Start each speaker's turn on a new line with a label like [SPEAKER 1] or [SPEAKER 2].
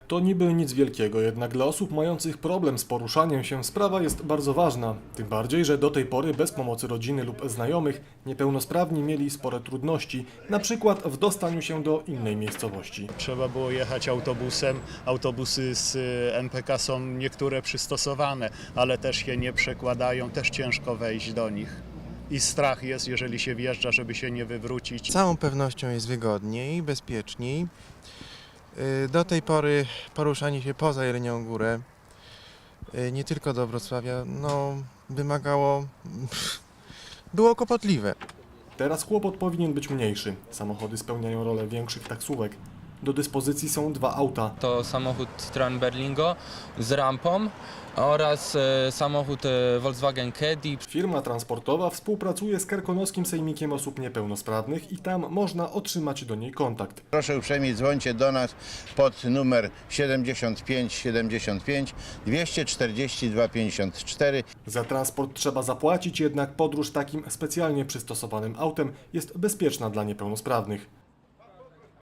[SPEAKER 1] To niby nic wielkiego, jednak dla osób mających problem z poruszaniem się sprawa jest bardzo ważna. Tym bardziej, że do tej pory bez pomocy rodziny lub znajomych niepełnosprawni mieli spore trudności, na przykład w dostaniu się do innej miejscowości.
[SPEAKER 2] Trzeba było jechać autobusem. Autobusy z MPK są niektóre przystosowane, ale też się nie przekładają, też ciężko wejść do nich. I strach jest, jeżeli się wjeżdża, żeby się nie wywrócić.
[SPEAKER 3] Z całą pewnością jest wygodniej, bezpieczniej. Do tej pory poruszanie się poza Jelenią Górę, nie tylko do Wrocławia, wymagało, było kłopotliwe.
[SPEAKER 1] Teraz kłopot powinien być mniejszy. Samochody spełniają rolę większych taksówek. Do dyspozycji są 2 auta.
[SPEAKER 4] To samochód Citroen Berlingo z rampą oraz samochód Volkswagen Caddy.
[SPEAKER 1] Firma transportowa współpracuje z Karkonoskim Sejmikiem Osób Niepełnosprawnych i tam można otrzymać do niej kontakt.
[SPEAKER 5] Proszę uprzejmie dzwońcie do nas pod numer 75 75 242 54.
[SPEAKER 1] Za transport trzeba zapłacić, jednak podróż takim specjalnie przystosowanym autem jest bezpieczna dla niepełnosprawnych.